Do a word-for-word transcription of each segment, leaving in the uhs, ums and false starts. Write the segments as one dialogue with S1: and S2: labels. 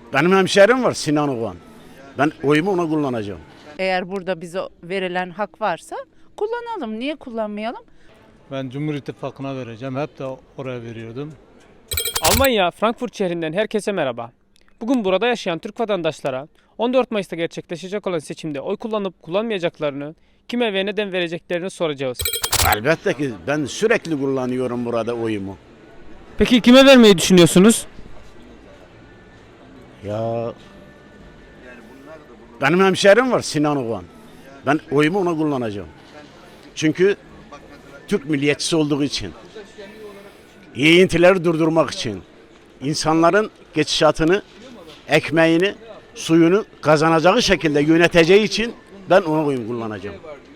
S1: Benim hemşerim var Sinan Oğan. Ben oyumu ona kullanacağım.
S2: Eğer burada bize verilen hak varsa kullanalım. Niye kullanmayalım?
S3: Ben Cumhur İttifakı'na vereceğim. Hep de oraya veriyordum.
S4: Almanya, Frankfurt şehrinden herkese merhaba. Bugün burada yaşayan Türk vatandaşlara on dört Mayıs'ta gerçekleşecek olan seçimde oy kullanıp kullanmayacaklarını, kime ve neden vereceklerini soracağız.
S1: Elbette ki ben sürekli kullanıyorum burada oyumu.
S4: Peki kime vermeyi düşünüyorsunuz?
S1: Ya benim hemşerim var Sinan Oğan. Ben oyumu ona kullanacağım. Çünkü Türk milliyetçisi olduğu için. Yiyintileri durdurmak için. İnsanların geçişatını, ekmeğini, suyunu kazanacağı şekilde yöneteceği için ben ona oyumu kullanacağım.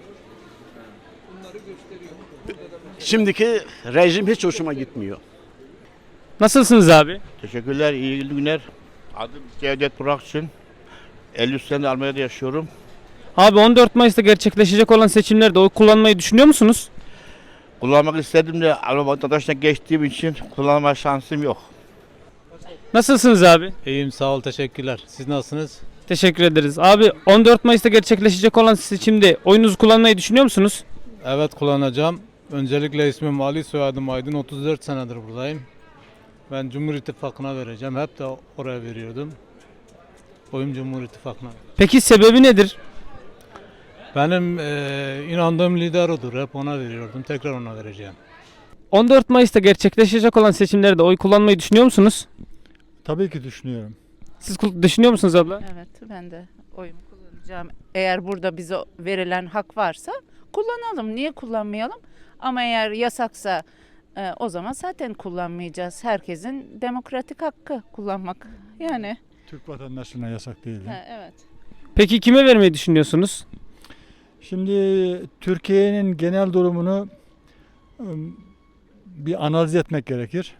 S1: Şimdiki rejim hiç hoşuma gitmiyor.
S4: Nasılsınız abi?
S5: Teşekkürler, iyi günler. Adım Cevdet Burakçın. elli üç senedir Almanya'da yaşıyorum.
S4: Abi on dört Mayıs'ta gerçekleşecek olan seçimlerde oy kullanmayı düşünüyor musunuz?
S5: Kullanmak istedim de Alman vatandaşına geçtiğim için kullanma şansım yok.
S4: Nasılsınız abi?
S3: İyiyim, sağ ol, teşekkürler. Siz nasılsınız?
S4: Teşekkür ederiz. Abi on dört Mayıs'ta gerçekleşecek olan seçimde oyunuzu kullanmayı düşünüyor musunuz?
S3: Evet, kullanacağım. Öncelikle ismim Ali, soyadım Aydın. otuz dört senedir buradayım. Ben Cumhur İttifakı'na vereceğim. Hep de oraya veriyordum. Oyum Cumhur İttifakı'na.
S4: Peki sebebi nedir?
S3: Benim eee, inandığım lider odur. Hep ona veriyordum. Tekrar ona vereceğim.
S4: on dört Mayıs'ta gerçekleşecek olan seçimlerde oy kullanmayı düşünüyor musunuz?
S6: Tabii ki düşünüyorum.
S4: Siz kul- düşünüyor musunuz abla?
S2: Evet, ben de oyumu kullanacağım. Eğer burada bize verilen hak varsa kullanalım. Niye kullanmayalım? Ama eğer yasaksa e, o zaman zaten kullanmayacağız. Herkesin demokratik hakkı kullanmak. Yani
S6: Türk vatandaşına yasak değil.
S2: ha, evet.
S4: Peki kime vermeyi düşünüyorsunuz?
S6: Şimdi Türkiye'nin genel durumunu ım, bir analiz etmek gerekir.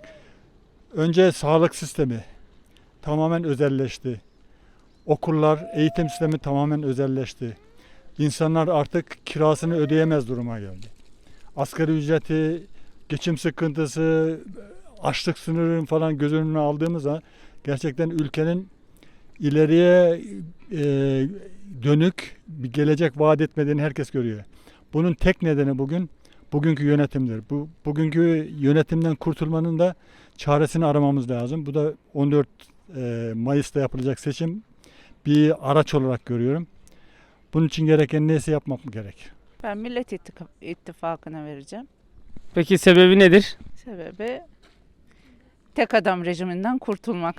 S6: Önce sağlık sistemi tamamen özelleşti. Okullar, eğitim sistemi tamamen özelleşti. İnsanlar artık kirasını ödeyemez duruma geldi. Asgari ücreti, geçim sıkıntısı, açlık sınırını falan göz önüne aldığımızda gerçekten ülkenin ileriye e, dönük bir gelecek vaat etmediğini herkes görüyor. Bunun tek nedeni bugün bugünkü yönetimdir. Bu bugünkü yönetimden kurtulmanın da çaresini aramamız lazım. Bu da on dört e, Mayıs'ta yapılacak seçim bir araç olarak görüyorum. Bunun için gereken neyse yapmak mı gerek?
S2: Ben Millet İttika- İttifakı'na vereceğim.
S4: Peki sebebi nedir?
S2: Sebebi tek adam rejiminden kurtulmak.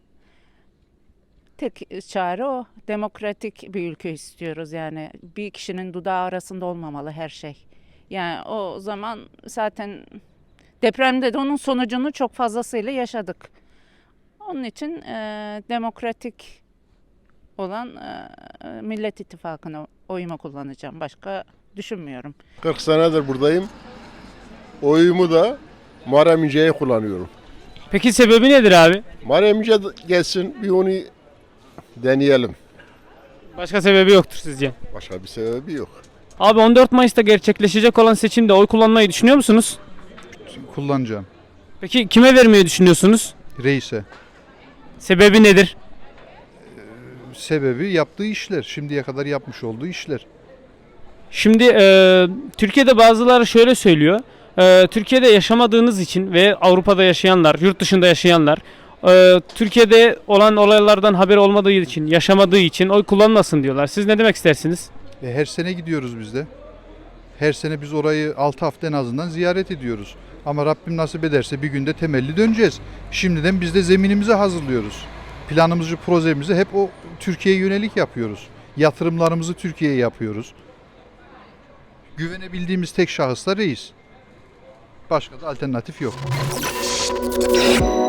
S2: Tek çare o. Demokratik bir ülke istiyoruz yani. Bir kişinin dudağı arasında olmamalı her şey. Yani o zaman zaten depremde de onun sonucunu çok fazlasıyla yaşadık. Onun için e, demokratik olan e, Millet İttifakı'na oyumu kullanacağım. Başka düşünmüyorum.
S7: kırk senedir buradayım. Oyumu da Muharrem İnce'ye kullanıyorum.
S4: Peki sebebi nedir abi?
S7: Muharrem İnce gelsin bir onu deneyelim.
S4: Başka sebebi yoktur sizce.
S7: Başka bir sebebi yok.
S4: Abi on dört Mayıs'ta gerçekleşecek olan seçimde oy kullanmayı düşünüyor musunuz?
S8: Kullanacağım.
S4: Peki kime vermeyi düşünüyorsunuz?
S8: Reis'e.
S4: Sebebi nedir?
S8: Sebebi yaptığı işler. Şimdiye kadar yapmış olduğu işler.
S4: Şimdi e, Türkiye'de bazıları şöyle söylüyor. E, Türkiye'de yaşamadığınız için ve Avrupa'da yaşayanlar, yurt dışında yaşayanlar e, Türkiye'de olan olaylardan haberi olmadığı için, yaşamadığı için oy kullanmasın diyorlar. Siz ne demek istersiniz?
S8: E, her sene gidiyoruz biz de. Her sene biz orayı altı hafta en azından ziyaret ediyoruz. Ama Rabbim nasip ederse bir günde temelli döneceğiz. Şimdiden biz de zeminimizi hazırlıyoruz. Planımızı, projemizi hep o Türkiye'ye yönelik yapıyoruz. Yatırımlarımızı Türkiye'ye yapıyoruz. Güvenebildiğimiz tek şahıs da reis. Başka da alternatif yok.